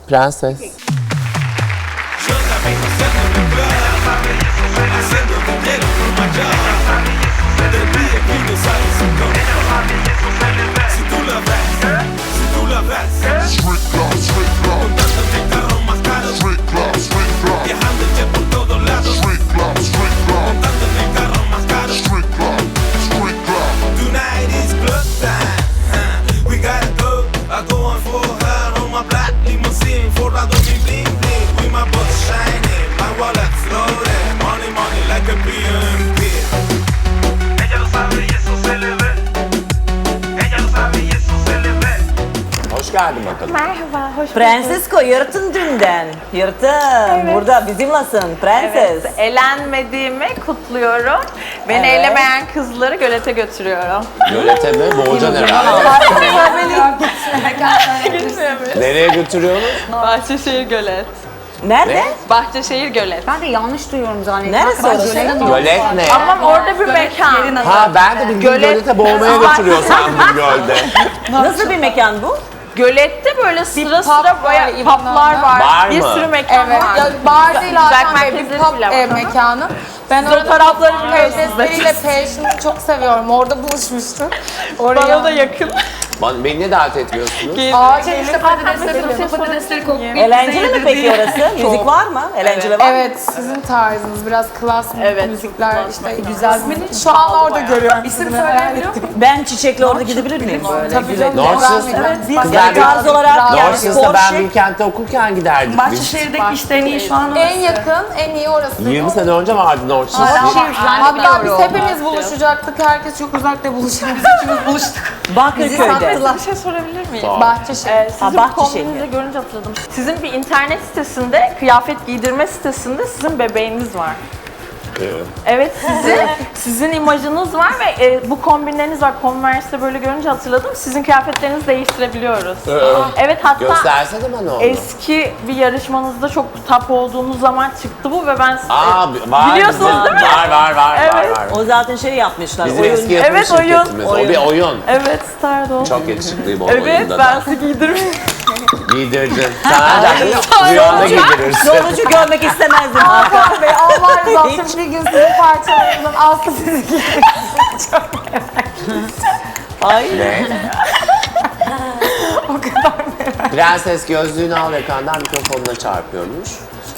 Prenses. Hoş geldin bakalım. Merhaba, hoş bulduk. Prensesko yırtın dünden. Yırtın. Evet. Burada bizimlesin prenses. Evet, elenmediğimi kutluyorum. Beni Evet. elemeyen kızları gölete götürüyorum. Gölete mi? Boğacan herhalde. Nereye götürüyorsunuz? Bahçeşehir Gölet. Nerede? Ne? Bahçeşehir Gölet. Ben de yanlış duyuyorum zannettim. Neresi Hakikaten orası? gölet Gölet ne? Ama orada bir mekan. Ha ben de bildiğin gölete boğmaya götürüyor sandım gölde. Nasıl bir mekan bu? Gölette böyle sıra sıra bayağı publar var. Bar Bir mı? sürü mekan Evet, var. ya bar değil Hakan Bey, bir merkezleri pub bile var. mekanı. Ben Siz o tarafları biliyorsunuz. Karidesleriyle Passion'ı çok seviyorum. Orada buluşmuştuk. Bana da yakın. Beni niye davet etmiyorsunuz? Aa, işte patatesleri kokuyor. Eğlenceli mi peki orası? Müzik var mı? Eğlenceli var mı? Evet, sizin tarzınız biraz klas Evet, müzikler klas işte müzik. güzel. Şu an orada görüyorum. İsim söyleyebiliyor musun? Ben Çiçek'le orada gidebilir miyim böyle? Tabii canım. Norsis. Yani tarz olarak yani Norsis'te spor ben şık. Bilkent'te okurken giderdik biz. Bahçeşehir'deki işte en iyi şu an En yakın, en iyi orası. 20 sene önce vardı Norsis. Hatta biz hepimiz buluşacaktık. Herkes çok uzakta buluşacak. Bakırköy'de. Bir şey sorabilir miyim? Bahçeşehir. Sizin bu Bahçeşehir. kombinizi görünce hatırladım. Sizin bir internet sitesinde, kıyafet giydirme sitesinde sizin bebeğiniz var. Evet, sizin imajınız var ve bu kombinleriniz var. Converse'de böyle görünce hatırladım. Sizin kıyafetlerinizi değiştirebiliyoruz. Evet, hatta Göstersene bana onu. eski bir yarışmanızda çok top olduğunuz zaman çıktı bu ve ben Aa var. Biliyorsunuz bizim- değil mi? Var. Evet. O zaten şey yapmışlar. Bizim oyun. eski yapım Evet, oyun. şirketimiz. O bir oyun. evet Stardom. Çok yakışıklıyım o Evet, oyunda ben da. sizi giydirmiştim. Giydirdin. Sen ancak rüyanda giydirirsin. Sonucu görmek istemezdim Hakan. Hakan Bey, Allah razı olsun. Bir gün sizin parçalarınızdan Aslı sizi giydirsin. Ay. Ne? O kadar Prenses gözlüğünü al ekrandan mikrofonuna çarpıyormuş.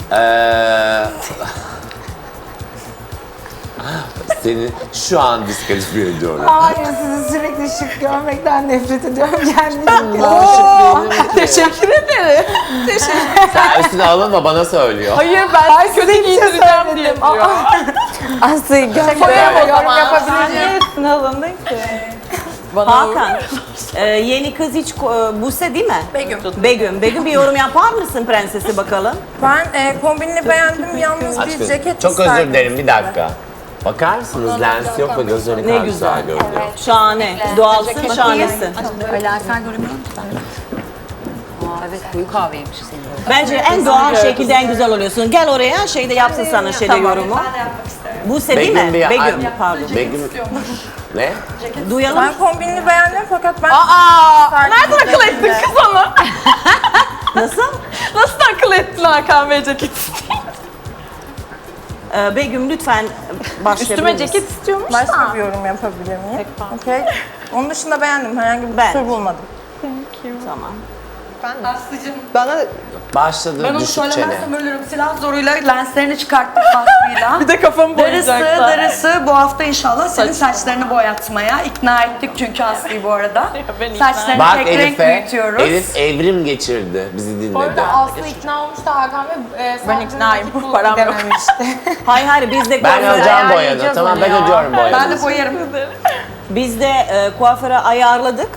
Seni şu an diskalifiye ediyorum. Hayır, sizi sürekli şık görmekten nefret ediyorum kendimi. Teşekkür ederim. Sen üstüne alınma bana söylüyor. Hayır, ben sizi kötü giydireceğim diye diyor. Aslı'yı Koyarım o yorum zaman. yapabilirim. Üstüne alındın ki. Hakan, yeni kız hiç Buse değil mi? Begüm bir yorum yapar mısın prensesi bakalım? Ben kombinini beğendim. Yalnız Aç bir gözünü. ceket Çok isterdim. özür dilerim bir dakika. Bakar mısınız lens yok ve gözleri ne kadar güzel görünüyor. Şahane. Doğalsın, şahanesin. Alakar göremiyorum ki ben. Evet, koyu kahveymiş senin. Bence en doğal şekilde en güzel oluyorsun. Gel oraya şeyde yapsın sana şeyde yorumu. Buse değil mi? Begüm, pardon. Begüm. Ne? Duyalım. Ben kombinini beğendim fakat ben Nereden akıl ettin kız onu? Nasıl? Nasıl akıl ettin Hakan Bey ceket? Begüm lütfen başlayabilir Üstüme misin? ceket istiyormuş başka da. bir yorum yapabilir miyim? Okey. Onun dışında beğendim. Herhangi bir Ben. kusur bulmadım. Tamam. Başladı Ben onu düşük çene. söylemezsem ölürüm. Silah zoruyla lenslerini çıkarttım Aslı'yla. Bir de kafamı Darısı bu hafta inşallah senin saçlarını boyatmaya ikna ettik çünkü Aslı'yı bu arada. ben ikna Saçlarını Bak tek renk Elif'e, büyütüyoruz. Elif evrim geçirdi bizi Bu dinledi. arada Aslı ikna olmuş da Hakan Bey Ben iknayım, param yok. dememişti. Hayır bizde Ben kuaföre ödeyeceğim boyanı. ayarlayacağız Tamam onu ben ya. ödüyorum boyanı. Ben de boyarım. Biz de kuaföre ayarladık.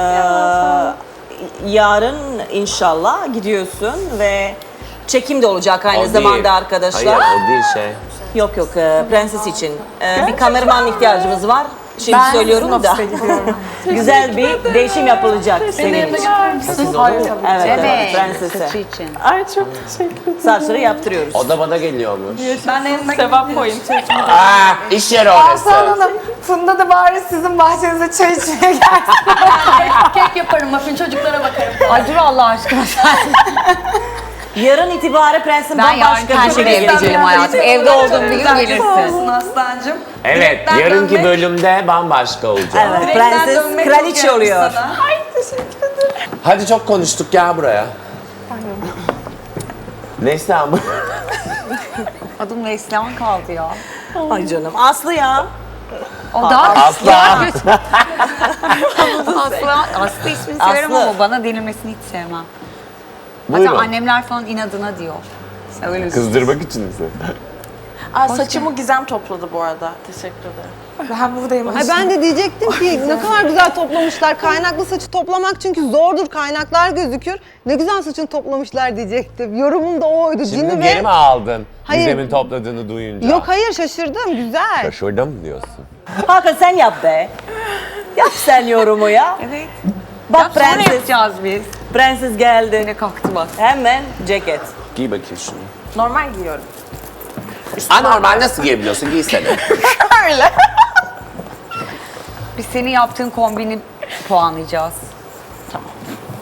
Yarın inşallah gidiyorsun ve çekim de olacak aynı O değil. zamanda arkadaşlar. Hayır o değil şey. Yok prenses için. Bir kameraman ihtiyacımız var. Şimdi söylüyorum da. Güzel bir değişim yapılacak senin için. Evet, prensese. için. Ay çok teşekkür ederim. Saçları yaptırıyoruz. O da bana geliyormuş. Ben de yanına Sevap koyun. Aa, iş yeri orası. Hanım, Funda da bari sizin bahçenize çay içmeye gelsin. kek yaparım, muffin çocuklara bakarım. Ay dur Allah aşkına sen. Yarın itibaren prensin Ben yarın bambaşka bir kendime şekilde geleceğim geleceğim. hayatım. Evde olduğum bir gün Güzel gelirsin. olsun Aslancığım. Evet, Direkten yarınki dönmek- bölümde bambaşka olacak. Evet, direkten prenses dönmek kraliçe çok oluyor. yakın sana. Hadi çok konuştuk, gel buraya. Neslihan bu. Adım Neslihan kaldı ya. Ay canım, Aslı ya. O da Asla. Aslı ismini severim Aslı. ama bana denilmesini hiç sevmem. Hatta Buyurun. annemler falan inadına diyor. Öyle Kızdırmak için mi? Saçımı Gizem topladı bu arada. Teşekkür ederim. Ben buradayım. Ay ben de diyecektim ki ne kadar güzel toplamışlar. Kaynaklı saçı toplamak çünkü zordur. Kaynaklar gözükür. Ne güzel saçını toplamışlar diyecektim. Yorumum da oydu. Şimdi Cini geri ve... mi aldın? Hayır. Gizem'in topladığını duyunca. Yok hayır şaşırdım. Güzel. Şaşırdım diyorsun. Hakan sen yap be. Yap sen yorumu ya. Evet. Bak Sonra prenses, yapacağız biz. prenses geldi. Yine kalktı bak. Hemen ceket. Giy bakayım şunu. Normal giyiyorum. Anormal nasıl giyebiliyorsun? Giysene. Biz senin yaptığın kombini puanlayacağız. Tamam.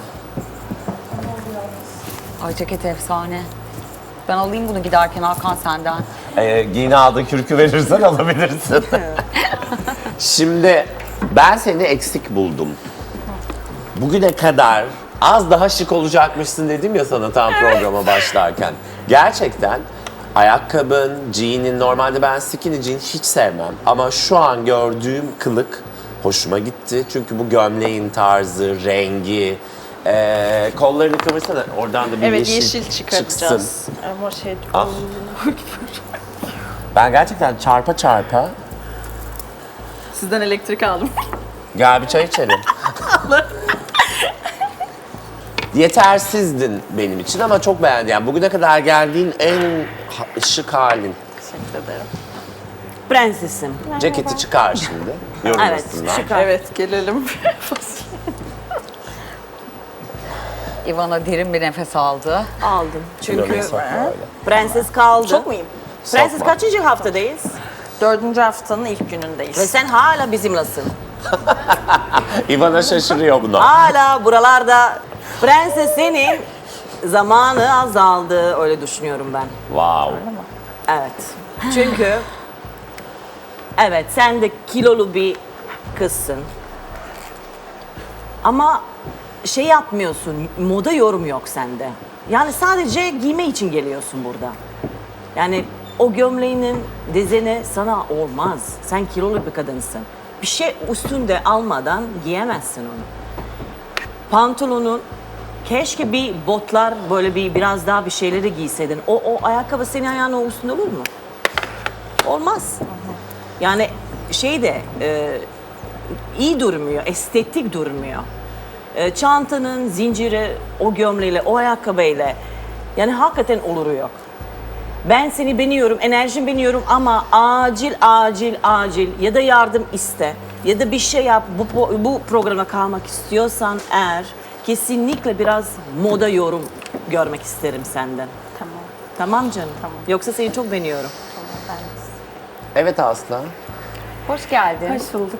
Ay ceket efsane. Ben alayım bunu giderken Hakan senden. Giyini aldığın kürkü verirsen alabilirsin. Şimdi ben seni eksik buldum. Bugüne kadar az daha şık olacakmışsın dedim ya sana tam programa başlarken. Gerçekten ayakkabın, jean'in, normalde ben skinny jean hiç sevmem. Ama şu an gördüğüm kılık hoşuma gitti. Çünkü bu gömleğin tarzı, rengi, kollarını kıvırsana. Oradan da bir Evet, yeşil, yeşil çıkartacağız. çıksın. Ama şey... Ah. Ben gerçekten çarpa çarpa Sizden elektrik aldım. gel bir çay içelim. Yetersizdin benim için ama çok beğendim. Yani bugüne kadar geldiğin en şık halin. Teşekkür ederim. Prensesim. Ceketi çıkar şimdi. Yorulmasınlar. çıkar. Evet, gelelim. Ivana derin bir nefes aldı. Aldım. Çünkü Böyle sokma öyle. prenses kaldı. Çok muyum? Prenses Sokma. kaçıncı haftadayız? 4. haftanın ilk Ve günündeyiz. sen hala bizimlesin. İvana şaşırıyor buna. Hala buralarda prenses senin zamanı azaldı. Öyle düşünüyorum ben. Wow. Evet. Çünkü evet sen de kilolu bir kızsın. Ama şey yapmıyorsun, moda yorum yok sende. Yani sadece giyme için geliyorsun burada. Yani o gömleğinin dizeni sana olmaz. Sen kilolu bir kadınsın. Bir şey üstünde almadan giyemezsin onu. Pantolonun keşke bir botlar böyle biraz daha bir şeyleri giyseydin. O ayakkabı senin ayağının üstünde olur mu? Olmaz. Yani şey de iyi durmuyor, estetik durmuyor. Çantanın zinciri, o gömleğiyle, o ayakkabıyla yani hakikaten oluru yok. Ben seni beğeniyorum, enerjin beğeniyorum ama acil ya da yardım iste ya da bir şey yap. Bu programa kalmak istiyorsan eğer kesinlikle biraz moda yorum görmek isterim senden. Tamam. Tamam canım? Tamam. Yoksa seni çok beğeniyorum. Evet Aslan. Hoş geldin. Hoş bulduk.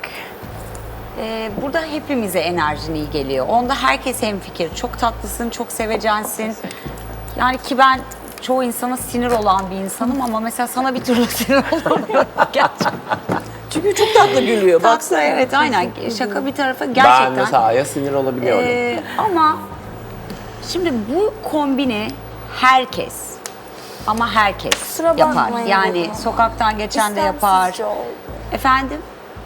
Burada hepimize enerjin iyi geliyor. Onda herkes hemfikir. Çok tatlısın, çok sevecensin. Yani ki ben çoğu insana sinir olan bir insanım ama mesela sana bir türlü sinir olamıyorum gerçekten. Çünkü çok tatlı gülüyor. Baksana. Evet aynen. Şaka bir tarafa Ben gerçekten. mesela Aya sinir olabiliyorum. Ama şimdi bu kombini herkes ama herkes Kusura yapar. bakmayın Yani baba. sokaktan geçen de yapar. İstemsizce oldu. Efendim?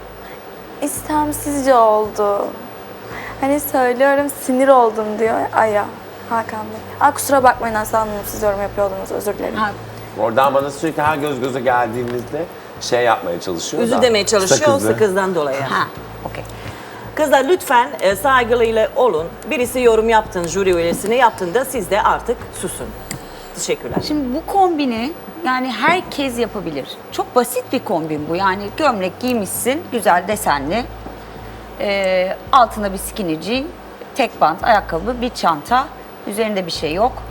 İstemsizce oldu. Hani söylüyorum sinir oldum diyor Aya. Hakan Bey. Kusura bakmayın Aslı Hanım, siz yorum yapıyordunuz, özür dilerim. Ha, Oradan bana sürekli her göz göze geldiğimizde şey yapmaya çalışıyor Üzü da. demeye çalışıyor sakızı. sakızdan dolayı. ha, okey. Kızlar lütfen saygılıyla olun. Birisi yorum yaptın, jüri üyesine yaptığında siz de artık susun. Teşekkürler. Şimdi bu kombini yani herkes yapabilir. Çok basit bir kombin bu. Yani gömlek giymişsin, güzel desenli. Altına bir skinny jean, tek bant, ayakkabı, bir çanta. Üzerinde bir şey yok.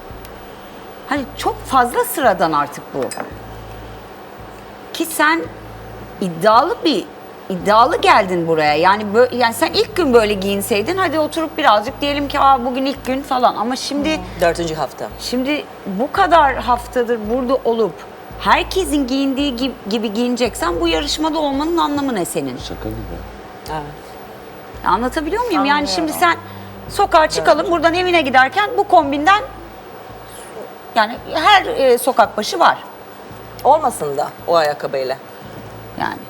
Hani çok fazla sıradan artık bu. Ki sen iddialı bir iddialı geldin buraya. Yani yani sen ilk gün böyle giyinseydin hadi oturup birazcık diyelim ki bugün ilk gün falan ama şimdi 4. hafta. şimdi bu kadar haftadır burada olup herkesin giyindiği gibi giyineceksen bu yarışmada olmanın anlamı ne senin? Şaka gibi. Evet. Anlatabiliyor muyum? Yani şimdi sen sokağa çıkalım buradan evine giderken bu kombinden yani her sokak başı var. Olmasın da o ayakkabıyla. Yani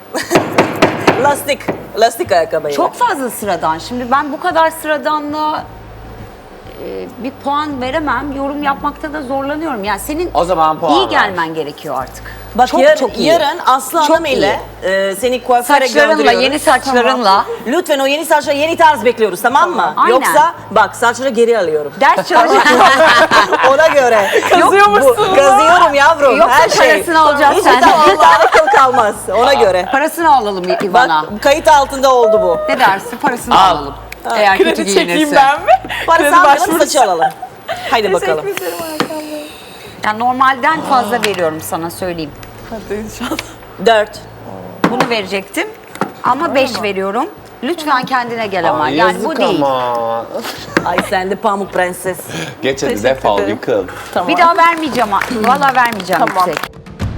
Lastik ayakkabıyla. çok fazla sıradan. Şimdi ben bu kadar sıradanlığa bir puan veremem. Yorum yapmakta da zorlanıyorum. Yani senin O zaman puan iyi ver. gelmen gerekiyor artık. Bak çok çok iyi. yarın Aslı Çok Hanım ile seni kuaföre Saçlarınla, gönderiyoruz. yeni saçlarınla Lütfen o yeni saçlara yeni tarz bekliyoruz, tamam mı? Aynen. Yoksa bak saçları geri alıyorum. ders çalışıyorsun. Ona göre. Kazıyormuşsun. Kazıyorum yavrum, Yoksa her şey. parasını alacağız Hiç senden. bir tane kıl kalmaz. Ona göre. Parasını alalım İvan'a. Bak kayıt altında oldu bu. Ne dersin? Parasını Al. alalım. Eğer kötü Kredi çekeyim giyinirse. ben mi? Parası Kredi almayalım, başvurusu. saçı alalım. Haydi bakalım. Yani normalden fazla veriyorum sana söyleyeyim. Hadi inşallah. 4. Bunu verecektim ama 5 veriyorum. Lütfen kendine gel ama. Ay, Yani bu yazık değil. ama. Ay sen de pamuk prenses. Geç hadi Teşekkür defol ederim. yıkıl. Tamam. Bir daha vermeyeceğim. Valla vermeyeceğim Tamam. yüksek.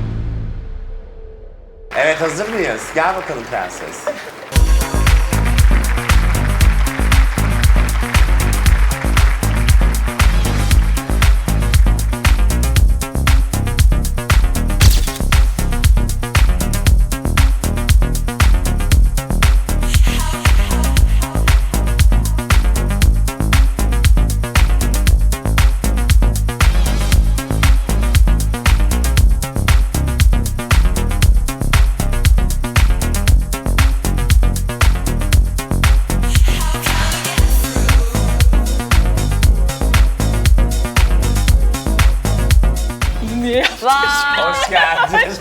Evet hazır mıyız? Gel bakalım prenses. Niye? Hoş geldin.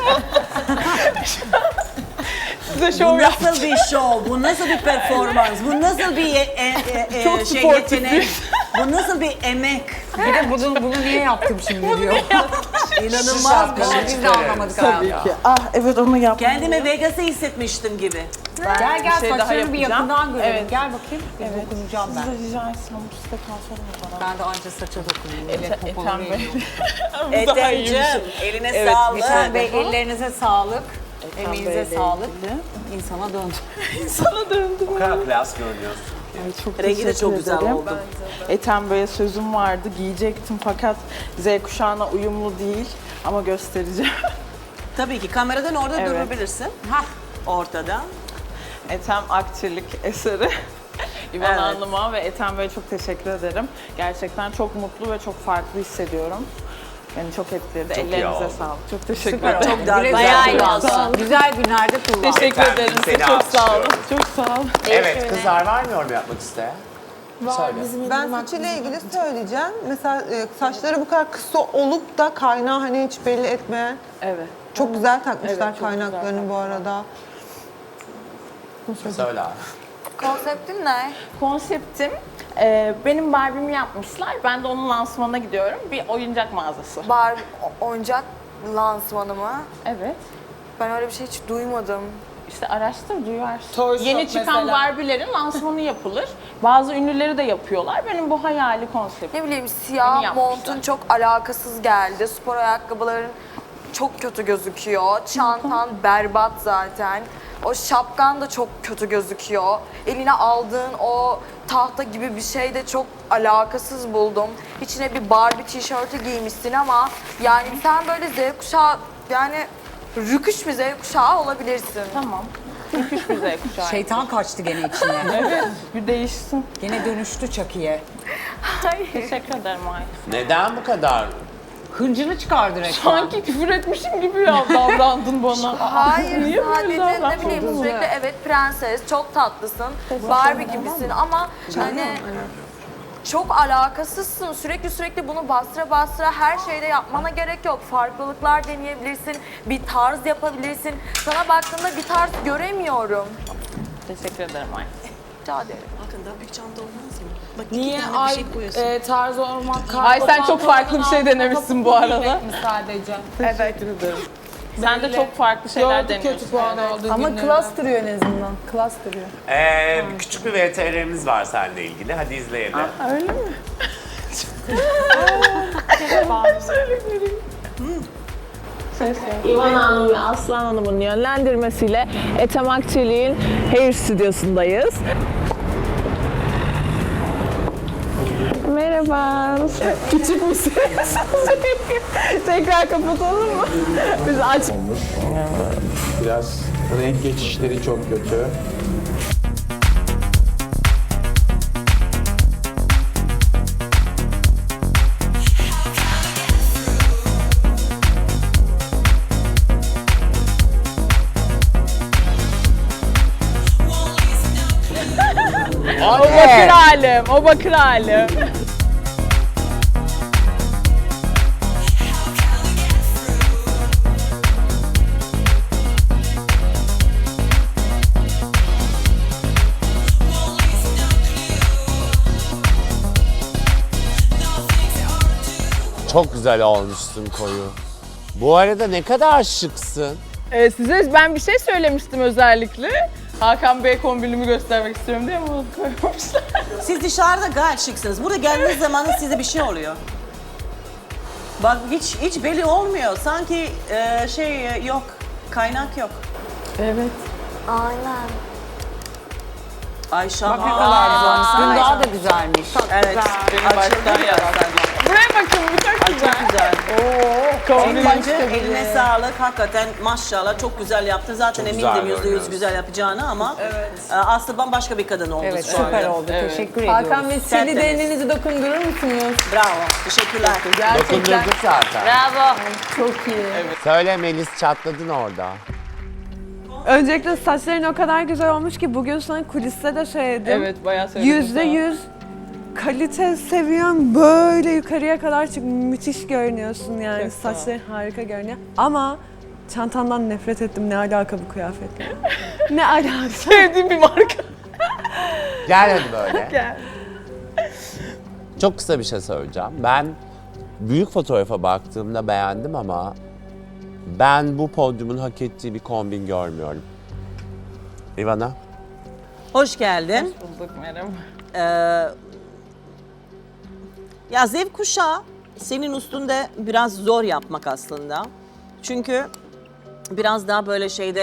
Size Bu şov yap. nasıl bir şov? Bu nasıl bir performans? Bu nasıl bir Çok şey sportif yetenek? Bu nasıl bir emek? Bir de bunu niye yaptım şimdi diyor. İnanılmaz bir şey. Biz de anlamadık hayatım. Ah evet onu yap. Kendimi Vegas'ı hissetmiştim gibi. Gel gel şey daha saçlarını bir yapacağım. yakından görelim. Evet. Gel bakayım. Bir dokunacağım ben. Rica etsem bu size kalsana bana. Ben de anca saça dokunayım. Evet, Ethem popoları Bey. yiyorum. Bu daha iyiymiş. Ethem, eline Evet, sağlık. Ethem Bey ellerinize sağlık. Ethem Emeğinize Bey'le sağlık. ilgili. İnsana döndü. Sana döndüm. Bu kadar klas görünüyorsun. Ay, çok Rengi de teşekkür çok güzel ederim. oldu. Ethem Bey'e sözüm vardı, giyecektim fakat Z kuşağına uyumlu değil ama göstereceğim. Tabii ki kameradan orada Evet. durabilirsin. Hah, ortada. Ethem Akçelik eseri. İvan Evet. Hanım'a ve Ethem Bey'e çok teşekkür ederim. Gerçekten çok mutlu ve çok farklı hissediyorum. Beni çok etkiledi. Çok iyi Ellerinize oldu. sağlık. Çok teşekkür Süper ederim. Çok daha Güle güzel. güle Çok kullan. Güzel günlerde kullan. Teşekkür Efendim, ederim. seni Çok sağ olun. alkışlıyorum. Çok sağ olun. Evet kızlar var mı yorum yapmak isteyen? Söyle. Ben saçıyla ilgili söyleyeceğim. Mesela saçları bu kadar kısa olup da kaynağı hani hiç belli etmeyen. Evet. Çok güzel takmışlar Evet, çok güzel kaynaklarını bu arada. Söyle abi. Konseptin ne? Konseptim benim Barbie'mi yapmışlar. Ben de onun lansmanına gidiyorum. Bir oyuncak mağazası. Oyuncak lansmanı mı? Evet. Ben öyle bir şey hiç duymadım. İşte araştır, duyarsın. Toy Shop Yeni çıkan mesela. Barbie'lerin lansmanı yapılır. Bazı ünlüleri de yapıyorlar. Benim bu hayali konseptim. Ne bileyim Yeni siyah yapmışlar. montun çok alakasız geldi. Spor ayakkabıların çok kötü gözüküyor. Çantan berbat zaten. O şapkan da çok kötü gözüküyor. Eline aldığın o tahta gibi bir şey de çok alakasız buldum. İçine bir Barbie tişörtü giymişsin ama yani sen böyle Z kuşağı yani rüküş bir Z kuşağı olabilirsin. Tamam. Müthiş bir Z kuşağı. Şeytan kaçtı gene içine. Evet, bir değişsin. Gene dönüştü Çaki'ye. Teşekkür ederim Ay. Neden bu kadar? Hıncını çıkardı resmen. Sanki küfür etmişim gibi ya davrandın bana. Hayır, Niye böyle sadece ne davrandın? bileyim sürekli evet prenses, çok tatlısın, Barbie gibisin ama hani çok alakasızsın. Sürekli bunu bastıra her şeyde yapmana gerek yok. Farklılıklar deneyebilirsin, bir tarz yapabilirsin. Sana baktığımda bir tarz göremiyorum. Teşekkür ederim Ay. Rica ederim. Bakın daha büyük çanta olmaz mı? Bak Niye iki tane bir ay şey koyuyorsun. tarz olmak Ay sen çok farklı bir şey denemişsin bu arada. sadece. Teşekkür ederim. Sen de çok farklı şeyler Gördük deniyorsun. kötü puan olduğu Ama günleri. klas duruyor en azından. Klas duruyor. Küçük bir VTR'miz var seninle ilgili. Hadi izleyelim. İvan Hanım ve Aslan Hanım'ın yönlendirmesiyle Ethem Akçelik'in Hair Stüdyosu'ndayız. Merhaba. Küçük müsünüz? Tekrar kapatalım mı? Biz aç. Biraz renk geçişleri çok kötü. O bakır halim, o bakır halim. Çok güzel olmuşsun koyu. Bu arada ne kadar şıksın. Size ben bir şey söylemiştim özellikle. Hakan Bey kombinimi göstermek istiyorum diye bunu koymamışlar. Siz dışarıda gayet şıksınız. Burada geldiğiniz zaman size bir şey oluyor. Bak hiç belli olmuyor. Sanki yok, kaynak yok. Evet. Aynen. Ayşe Dün daha da güzelmiş. Evet. Açıldı biraz. Buraya bakın bu çok güzel. Çok güzel. Kombin Bence eline sağlık. Hakikaten maşallah çok güzel yaptın. Zaten Çok emindim güzel %100 görünüyorsun. güzel yapacağını ama Aslı bambaşka bir kadın oldu Evet, şu süper anda. oldu. Teşekkür ediyoruz. Hakan Bey, Tertemiz. seni de elinizi dokundurur musunuz? Bravo. Teşekkürler. Dokundurduk zaten. Bravo. Çok iyi. Söyle Melis, çatladın orada. Öncelikle saçların o kadar güzel olmuş ki bugün sana kuliste de söyledim. Evet bayağı söyledim. %100 kalite seviyen böyle yukarıya kadar çık, müthiş görünüyorsun yani. Çok sağ ol. Saçların harika görünüyor. Ama çantandan nefret ettim. Ne alaka bu kıyafetle? Ne alaka? Sevdiğim bir marka. Gel hadi böyle. Gel. Çok kısa bir şey söyleyeceğim. Ben büyük fotoğrafa baktığımda beğendim ama ben bu podyumun hak ettiği bir kombin görmüyorum. Ivana? Hoş geldin. Bulduk merhaba. Ya Z kuşağı senin üstünde biraz zor yapmak aslında. Çünkü biraz daha böyle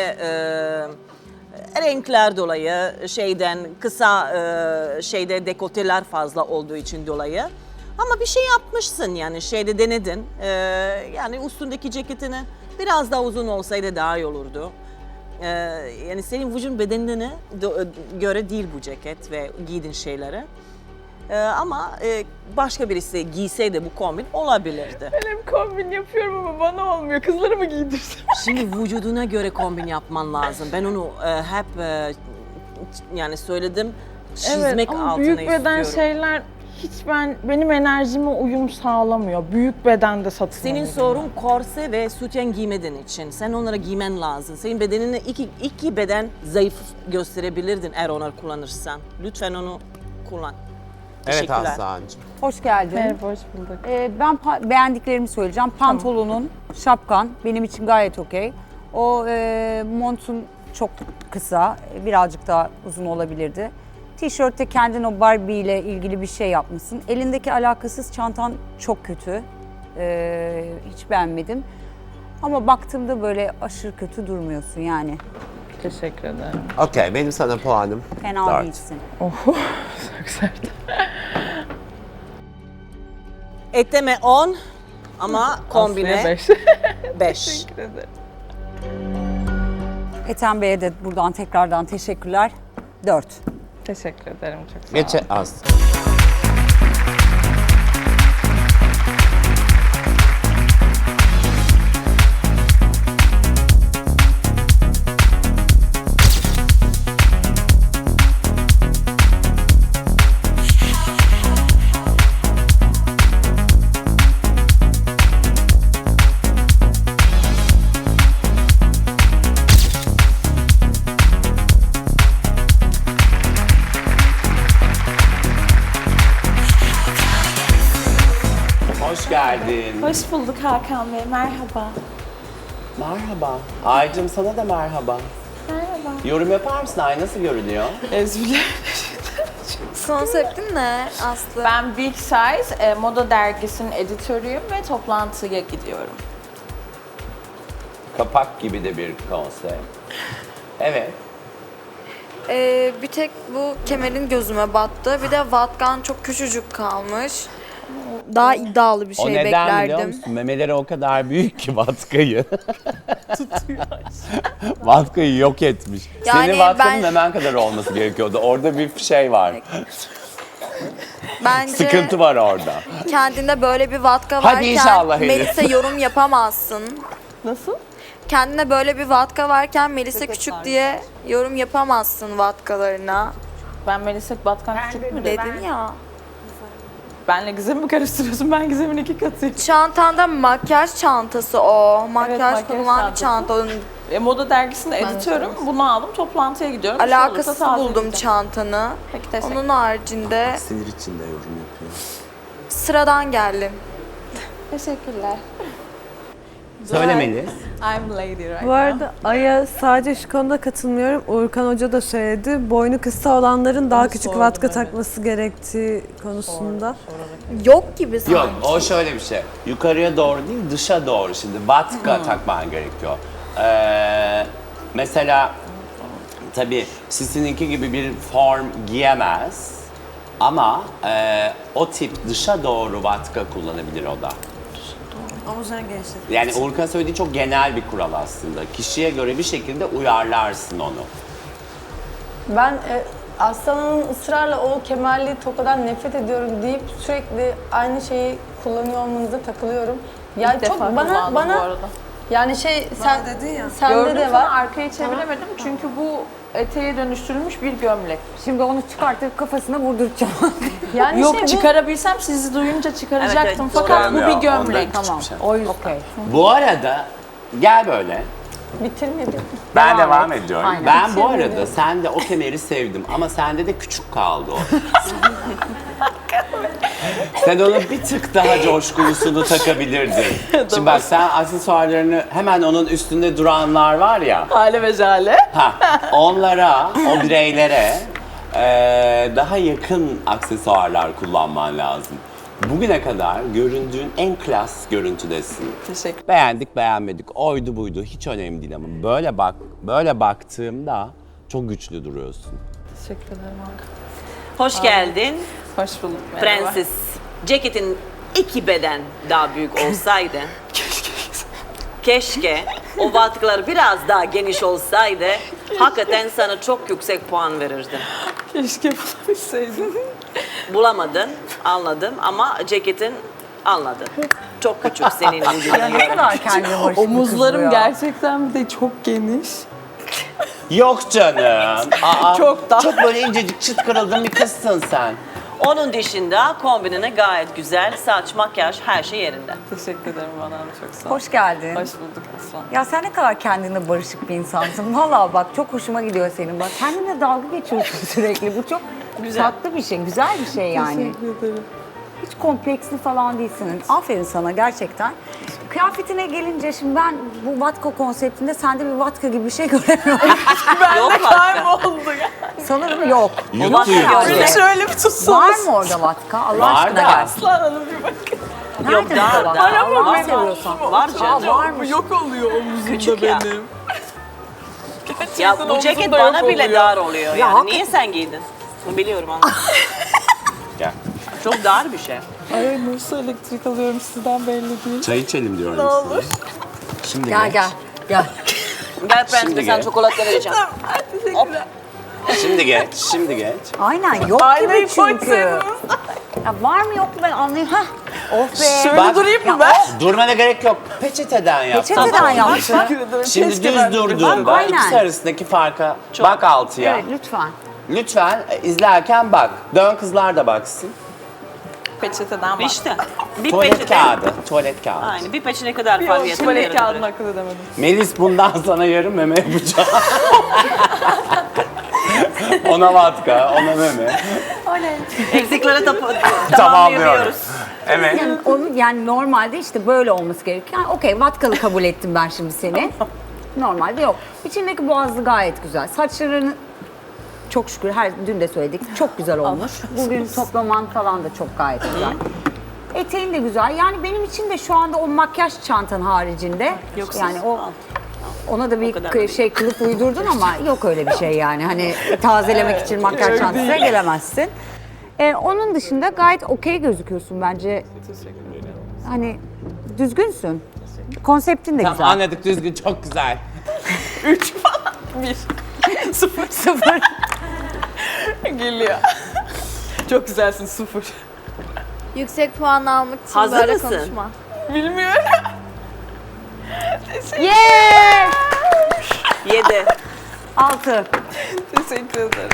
renkler dolayı kısa dekoteler fazla olduğu için dolayı. Ama bir şey yapmışsın yani denedin. Yani üstündeki ceketini biraz daha uzun olsaydı daha iyi olurdu. Yani senin vücudun bedenine göre değil bu ceket ve giydiğin şeyleri. Ama başka birisi giyseydi bu kombin olabilirdi. Ben hep kombin yapıyorum ama bana olmuyor. Kızları mı giydirsem? Şimdi vücuduna göre kombin yapman lazım. Ben onu hep yani söyledim. Çizmek Evet ama altına büyük beden istiyorum. şeyler hiç benim enerjime uyum sağlamıyor. Büyük bedende satın Senin alıyorum. sorun korse ve sütyen giymediğin için. Sen onları giymen lazım. Senin bedenine iki beden zayıf gösterebilirdin eğer onları kullanırsan. Lütfen onu kullan. Evet Teşekkürler. Aslancığım. Hoş geldin. Merhaba, hoş bulduk. Ben beğendiklerimi söyleyeceğim. Pantolonun, şapkan benim için gayet okey. O montun çok kısa, birazcık daha uzun olabilirdi. Tişörtte kendin o Barbie ile ilgili bir şey yapmışsın. Elindeki alakasız çantan çok kötü. Hiç beğenmedim. Ama baktığımda böyle aşırı kötü durmuyorsun yani. Teşekkür ederim. Okey, benim sana puanım Fena 4. değilsin. Çok sert. Eteme 10 ama kombine Aslı'ya 5. 5. Teşekkür ederim. Ethem Bey'e de buradan tekrardan teşekkürler. 4. Teşekkür ederim çok sağ ol. Geç Aslı. Hoş geldin. Hoş bulduk Hakan Bey, merhaba. Merhaba. Aycığım sana da merhaba. Merhaba. Yorum yapar mısın? Ay nasıl görünüyor? Konseptin ne Aslı? Ben Big Size moda dergisinin editörüyüm ve toplantıya gidiyorum. Kapak gibi de bir konsept. Evet. Bir tek bu kemerin gözüme battı. Bir de vatkan çok küçücük kalmış. Daha iddialı bir şey O neden biliyor beklerdim. musun? Memeleri o kadar büyük ki vatkayı. Vatkayı yok etmiş. Yani Senin vatkanın ben- memen kadar olması gerekiyordu. Orada bir şey var. Bence Sıkıntı var orada. kendinde böyle bir vatka Hadi varken inşallah Elif. Melis'e yorum yapamazsın. Nasıl? Kendine böyle bir vatka varken Melis'e küçük diye yorum yapamazsın vatkalarına. Ben Melisa Batkan küçük mü dedim? Dedin ya. Benle Gizem'i mi karıştırıyorsun? Ben Gizem'in 2 katıyım. Çantanda makyaj çantası o. Makyaj makyaj konulan bir çantası. çanta. Onun Moda dergisinde editörüm. Bunu aldım, toplantıya gidiyorum. Bir şey alakasız olursa buldum tazeleyeceğim. çantanı. Peki, teşekkür Onun haricinde Sinir içinde yorum yapıyor. sıradan geldim. Teşekkürler. Söyle Melis. I'm lady right Bu arada Ay'a sadece şu konuda katılmıyorum. Uğurkan Hoca da söyledi. Boynu kısa olanların daha küçük sordum, vatka evet. takması gerektiği konusunda. Yok gibi sanki. Yok o şöyle bir şey. Yukarıya doğru değil dışa doğru şimdi. Vatka takman gerekiyor. Mesela tabii sizinki gibi bir form giyemez. Ama o tip dışa doğru vatka kullanabilir o da. Omuzlarını genişlet. Yani Uğurkan söylediği çok genel bir kural aslında. Kişiye göre bir şekilde uyarlarsın onu. Ben Aslan'ın ısrarla o kemerli tokadan nefret ediyorum deyip sürekli aynı şeyi kullanıyor olmanıza takılıyorum. Yani İlk defa çok kullandım bu arada. yani şey sen dedin ya. sende Gördüm de sana var. arkayı çeviremedim çünkü bu eteğe dönüştürülmüş bir gömlek. Şimdi onu çıkartıp kafasına vurduracağım. Yani Yok bu- çıkarabilsem sizi duyunca çıkaracaktım Evet, evet, fakat bu doğru. bir Ya, gömlek. ondan Tamam. küçük O yüzden. Okey. Bu arada gel böyle. bitirmedim. Ben Devam devam et. ediyorum. Aynen. Ben bu arada sende o kemeri sevdim ama sende de küçük kaldı o. Sen onun bir tık daha coşkulusunu takabilirdin. Şimdi bak sen aksesuarlarını hemen onun üstünde duranlar var ya. Hale ve jale. Onlara, o bireylere daha yakın aksesuarlar kullanman lazım. Bugüne kadar göründüğün en klas görüntüdesin. Teşekkür. Beğendik beğenmedik, oydu buydu hiç önemli değil ama böyle baktığımda çok güçlü duruyorsun. Teşekkür ederim abi. Hoş geldin Hoş bulduk. Merhaba. prenses. Ceketin 2 beden daha büyük olsaydı. Keşke o vatkalar biraz daha geniş olsaydı. Hakikaten sana çok yüksek puan verirdim. Keşke bulabilseydim. Bulamadın, anladım ama ceketin anladın. Çok küçük senin vücuduna Ne göre. kadar kendine barışık bir kız bu Omuzlarım ya. gerçekten bir de çok geniş. Yok canım. Aa, Çok da. Çok böyle incecik çıt kırıldın bir kızsın sen. Onun dışında kombinine gayet güzel. Saç, makyaj, her şey yerinde. Teşekkür ederim bana çok sağ ol. Hoş geldin. Hoş bulduk Aslan. Ya sen ne kadar kendine barışık bir insansın. Vallahi bak çok hoşuma gidiyor senin. Bak kendine dalga geçiyorsun sürekli. Bu çok tatlı bir şey, güzel bir şey yani. Teşekkür ederim. Hiç kompleksli falan değilsin. Aferin sana gerçekten. Kıyafetine gelince şimdi ben bu vatka konseptinde sende bir vatka gibi bir şey göremiyorum. Yok vatka. Oldu ya. Sanırım yok. Yuttu Vatka yuttu. yani. Bir de şöyle bir tutsanız. Var mı orada vatka? Allah Var aşkına da. gel. Aslan Hanım bir bakın. Yok Nerede daha bu daha. vatka? Allah'ını Var, seviyorsan. var canım. varmış. Yok oluyor omuzumda Küçük ya. benim. Ya bu ceket omzumda bana yok bile oluyor. dar oluyor yani. hakikaten. Niye sen giydin? Bunu biliyorum ama. Gel. Çok dar bir şey. Ay nasıl elektrik alıyorum sizden belli değil. Çay içelim diyorum sana. Şimdi Gel geç. gel. Gel. Gel Şimdi prenses sen gel. çikolata vereceğim. Şimdi geç. Şimdi geç. Aynen yok Aynayı gibi çünkü. koysaydınız. Ya var mı yok mu ben anlayayım. Hah. Of be. Şöyle Bak. durayım Ya mı ben? Durmana gerek yok. Peçeteden yap. Peçeteden yaptın. Teşekkür ederim. Şimdi Keşke düz ben de durduğunda Aynen. ikisi arasındaki farka bak altıya. Evet lütfen. Lütfen izlerken bak. Dön kızlar da baksın. Peçeteden bak. İşte bir Tuvalet peçete. kağıdı. Tuvalet kağıdı. Aynen bir peçete ne kadar Bir fark o yeter. tuvalet kağıdını akıl edemedim. Melis bundan sana yarım meme yapacağım. Ona vatka, ona meme. Eksikleri tamamlayabiliyoruz. Tamamlıyoruz. Evet. Yani, onun, yani normalde işte böyle olması gerekiyor. Yani okey, vatkalı kabul ettim ben şimdi seni. Normalde yok. İçindeki boğazlı gayet güzel. Saçlarını çok şükür dün de söyledik çok güzel olmuş. Bugün toplaman falan da çok gayet güzel. Eteğin de güzel. Yani benim için de şu anda o makyaj çantan haricinde yani ona da bir şey kılıf uydurdun ama yok öyle bir şey yani. Hani tazelemek için makyaj çantasına gelemezsin. Onun dışında gayet okey gözüküyorsun bence. Hani düzgünsün. Konseptin de Tamam güzel. anladık, düzgün, çok güzel. 3 falan. 1. 0. Geliyor. Çok güzelsin 0. Yüksek puan almak için Hazır böyle mısın? konuşma. Bilmiyorum. Yeah! 7. 6. Teşekkür ederim.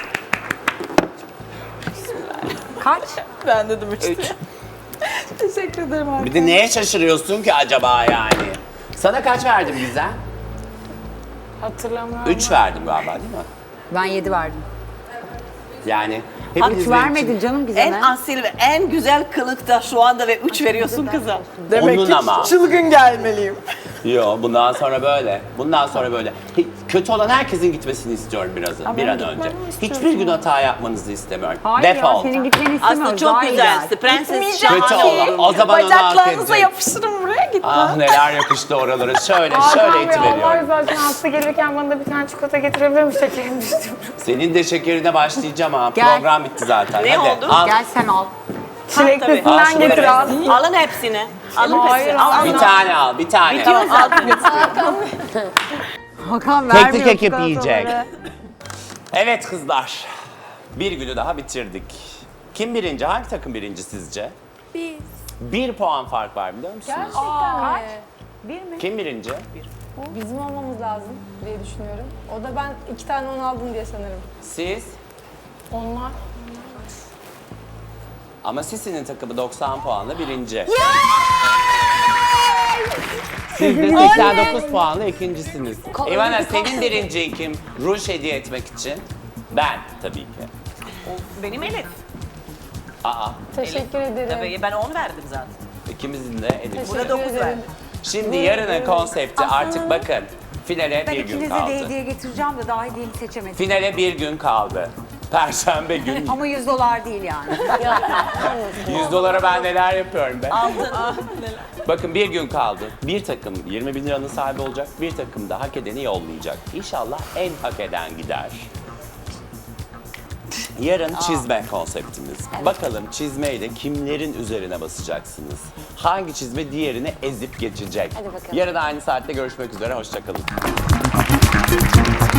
Kaç? Ben dedim 3. 3. Teşekkür ederim abi. Bir de neye şaşırıyorsun ki acaba yani? Sana kaç verdim Gizem? Hatırlamıyorum. 3 verdim galiba değil mi? Ben 7 verdim. Yani Hiç hepiniz benim vermedin için canım En Gizem'e. asil ve en güzel kılıkta şu anda ve 3 veriyorsun kıza. Demek onun ki ama. çılgın gelmeliyim. Yo, bundan sonra böyle. Bundan sonra böyle. Kötü olan herkesin gitmesini istiyorum bir an önce. Hiçbir gün hata yapmanızı istemiyorum. Hayır ya Defol. senin gitmeni istemiyoruz. Aslında çok Daha güzelsin. iyiler. Prenses Kötü şahane. olan. O zaman onu hak Bacaklarınıza edecek. yapıştırın buraya git. Ah neler yapıştı oralara. Şöyle itiveriyorum. zaten hasta gelirken bana da bir tane çikolata getirebilir mi şekerim düştü. Senin de şekerine başlayacağım ha. Gel. Program bitti zaten. Ne Hadi, oldu? al. Gel sen al. Al Çileklisinden şunu getir böyle. abi. Alın hepsini. Alın hepsini. Al, Bir al. tane al, bir tane. Bitiyor zaten. Hakan vermiyor. Tek tek ekip yiyecek. çikolataları. Evet kızlar. Bir günü daha bitirdik. Kim birinci? Hangi takım birinci sizce? Biz. 1 puan fark var biliyor musunuz? Kaç? Kim birinci? Bizim olmamız lazım diye düşünüyorum. O da ben 2 tane 10 aldım diye sanırım. Siz? Onlar. Ama Sisi'nin takımı 90 puanla birinci. Siz de 89 puanla ikincisiniz. Ivana senin birinciyin kim? Ruj hediye etmek için. Ben tabii ki. Benim Elif. Aa, Teşekkür ederim. Tabii ben 10 verdim zaten. ikimizin de Elif. Bu da 9 verdi. Şimdi yarının konsepti artık bakın. Finale Ben bir gün ikinize de kaldı. hediye getireceğim de daha hediyemi seçemedim. Finale bir gün kaldı. Perşembe günü. Ama $100 değil yani. $100 ben neler yapıyorum be. Aldın. Bakın bir gün kaldı. Bir takım 20 bin liranın sahibi olacak. Bir takım da hak edeni yollayacak. İnşallah en hak eden gider. Yarın çizme konseptimiz. Bakalım çizmeyle kimlerin üzerine basacaksınız? Hangi çizme diğerini ezip geçecek? Yarın aynı saatte görüşmek üzere. Hoşça kalın.